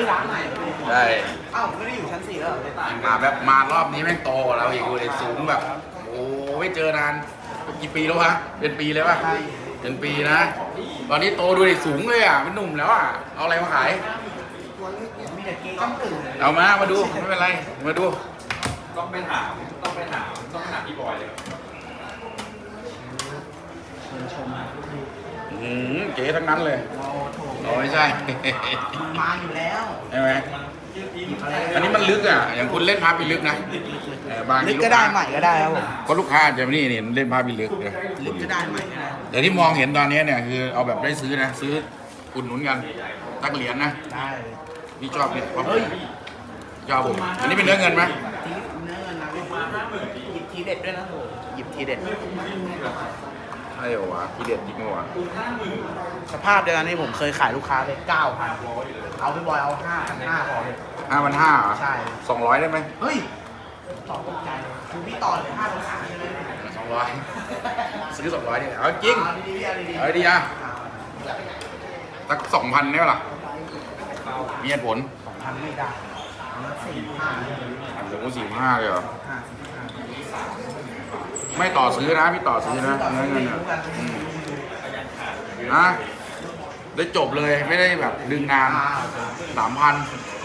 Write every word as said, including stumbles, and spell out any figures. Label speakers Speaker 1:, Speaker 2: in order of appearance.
Speaker 1: ฮ้ยร้านไหน
Speaker 2: ได้
Speaker 1: เอ้าไม่ได้อยู่ชั้นสี่แล้วเหรอเลย
Speaker 2: มาแบบมารอบนี้แม่งโตกว่าเราอีกเลยสูงแบบ โอ้ไม่เจอนานกี่ปีแล้ววะเป็นปีเลยป่ะเป็นปีนะ ตอนนี้โตดูดิสูงเลยอ่ะเป็นหนุ่มแล้วอ่ะเอาอะไรมาขาย
Speaker 1: มีแต่เกย์ก้ามตื่น
Speaker 2: เอามามาดูไม่เป็นไรมาดู
Speaker 3: ต้องไปถามต้องไปถามต้องไปถามพี่บอยเลย
Speaker 1: เชิญชม
Speaker 2: อืมเก๋ทั้งนั้นเลย
Speaker 1: โอ้โถ
Speaker 2: เราไม่ใช่
Speaker 1: มันมาอยู่แล้ว
Speaker 2: ใช่ไหมอันนี้มันลึกอ่ะอย่างคุณเล่นพาไปลึกนะเออบางที
Speaker 1: ลึกก็ได้ใหม่ก็ได้ครับผม
Speaker 2: ก็ลูกค้าจะนี่นี่เล่นพาไปลึกเนี่ย
Speaker 1: ลึกก็ได้ใหม่ก็ได้
Speaker 2: แต่ที่มองเห็นตอนนี้เนี่ยคือเอาแบบได้ซื้อนะซื้ออุดหนุนกันตักเหรียญนะ
Speaker 1: ได้
Speaker 2: พี่ชอบเนี่ยความชอบผมอันนี้เป็นเนื้อเงินไหม
Speaker 1: ทีเนื้อเงินนะพี่หยิบทีเด็ดด้วยนะโถหยิบทีเด็ด
Speaker 2: ใช่เหรอวะทีเด็ดจริงเหรอวะ
Speaker 1: สภาพเดียวกันที่ผมเคยขายลูกค้าไปเก้าพันเอาพี่บอยเอาห้าพันห้าพอเลย
Speaker 2: ห้าพันห้าเหรอ
Speaker 1: ใช่
Speaker 2: สองร้อยได้ไหม
Speaker 1: เฮ้ยต่อตกใจคือพี่ต่อเลยห้าพันสามใช่ไหม
Speaker 2: สองร้อยซื้อสองร้อยเนี่ยเอาจริง
Speaker 1: เอาดีๆเอาดีๆ
Speaker 2: เอาดีอ่ะสักสองพันได้ปะล่ะมีเหตุผล
Speaker 1: สองพันไม่ได้เอาละสี่ห้า
Speaker 2: โอ้โหสี่ห้าเลยเหรอ
Speaker 1: ห้าสี่ห้า
Speaker 2: ไม่ต่อซื้อนะพี่ต่อซื้อนะเนื้อเงินอ่ะอืมนะได้จบเลยไม่ได้แบบดึงนาน
Speaker 1: อ่า
Speaker 2: สามพัน
Speaker 1: โ